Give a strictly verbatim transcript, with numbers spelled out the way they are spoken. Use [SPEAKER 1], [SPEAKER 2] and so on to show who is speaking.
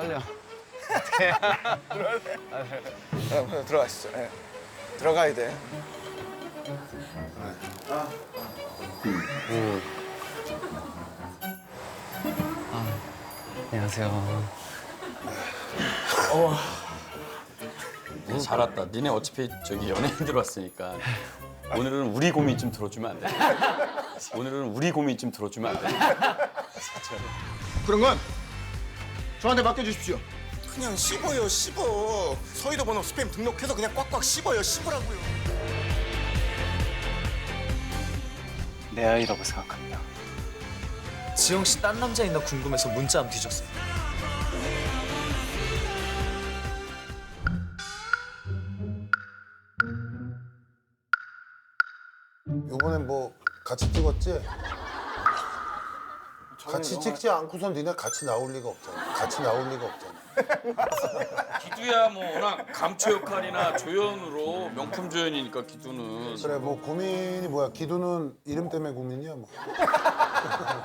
[SPEAKER 1] 빨리요.
[SPEAKER 2] 어, 들어가시죠. 예. 들어가야 돼.
[SPEAKER 1] 안녕하세요.
[SPEAKER 3] 네, 잘 왔다. 니네 어차피 저기 연예인들 왔으니까 오늘은 우리 고민 좀 들어주면 안 돼? 오늘은 우리 고민 좀 들어주면 안 돼?
[SPEAKER 4] 그런 건 저한테 맡겨주십시오.
[SPEAKER 2] 그냥 씹어요, 씹어. 서희도 번호 스팸 등록해서 그냥 꽉꽉 씹어요, 씹으라고요.
[SPEAKER 1] 내 아이라고 생각합니다.
[SPEAKER 5] 지영 씨 딴 남자 있나 궁금해서 문자 안 뒤졌어요.
[SPEAKER 6] 요번엔 뭐 같이 찍었지? 같이 찍지 않고선 니네 같이 나올 리가 없잖아. 같이 나올 리가 없잖아.
[SPEAKER 3] 기두야 뭐 워낙 감초 역할이나 조연으로 명품 조연이니까 기두는
[SPEAKER 6] 그래 뭐 고민이 뭐야? 기두는 이름 때문에 고민이야 뭐.